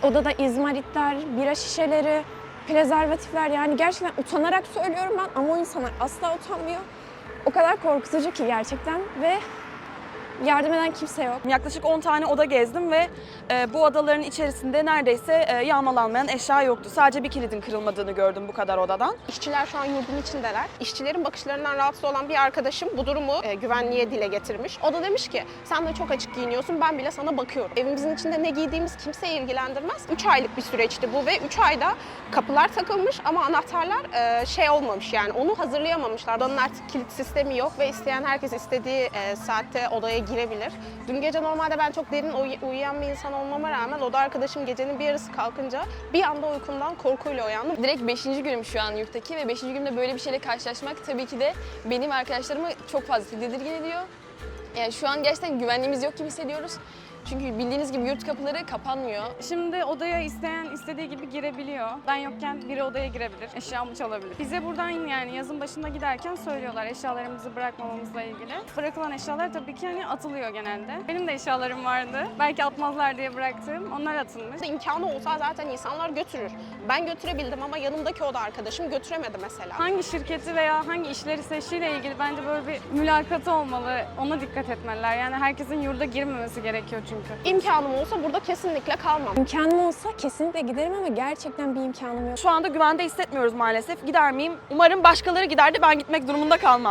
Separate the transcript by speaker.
Speaker 1: Odada izmaritler, bira şişeleri, prezervatifler, yani gerçekten utanarak söylüyorum ben ama o insanlar asla utanmıyor. O kadar korkutucu ki gerçekten ve yardım eden kimse yok.
Speaker 2: Yaklaşık 10 tane oda gezdim ve bu odaların içerisinde neredeyse yağmalanmayan eşya yoktu. Sadece bir kilidin kırılmadığını gördüm bu kadar odadan.
Speaker 3: İşçiler şu an yurdun içindeler. İşçilerin bakışlarından rahatsız olan bir arkadaşım bu durumu güvenliğe dile getirmiş. O da demiş ki sen de çok açık giyiniyorsun, ben bile sana bakıyorum. Evimizin içinde ne giydiğimiz kimseyi ilgilendirmez. 3 aylık bir süreçti bu ve 3 ayda kapılar takılmış ama anahtarlar şey olmamış, yani onu hazırlayamamışlar. Odanın artık kilit sistemi yok ve isteyen herkes istediği saatte odaya girebilir. Dün gece normalde ben çok derin uyuyan bir insan olmama rağmen oda arkadaşım gecenin bir yarısı kalkınca bir anda uykumdan korkuyla uyandım.
Speaker 4: Direkt 5. günüm şu an yurttaki ve 5. günümde böyle bir şeyle karşılaşmak tabii ki de benim arkadaşlarımı çok fazla tedirgin ediyor. Yani şu an gerçekten güvenliğimiz yok gibi hissediyoruz. Çünkü bildiğiniz gibi yurt kapıları kapanmıyor.
Speaker 5: Şimdi odaya isteyen istediği gibi girebiliyor. Ben yokken biri odaya girebilir, eşyamı çalabilir. Bize buradan yani yazın başında giderken söylüyorlar eşyalarımızı bırakmamamızla ilgili. Bırakılan eşyalar tabii ki hani atılıyor genelde. Benim de eşyalarım vardı. Belki atmazlar diye bıraktığım, onlar atılmış.
Speaker 3: İmkanı olsa zaten insanlar götürür. Ben götürebildim ama yanımdaki oda arkadaşım götüremedi mesela.
Speaker 5: Hangi şirketi veya hangi işleri seçtiğiyle ilgili bence böyle bir mülakatı olmalı. Ona dikkat etmeliler. Yani herkesin yurda girmemesi gerekiyor çünkü.
Speaker 3: İmkanım olsa burada kesinlikle kalmam.
Speaker 1: İmkanım olsa kesinlikle giderim ama gerçekten bir imkanım yok.
Speaker 2: Şu anda güvende hissetmiyoruz maalesef. Gider miyim? Umarım başkaları gider de ben gitmek durumunda kalmam.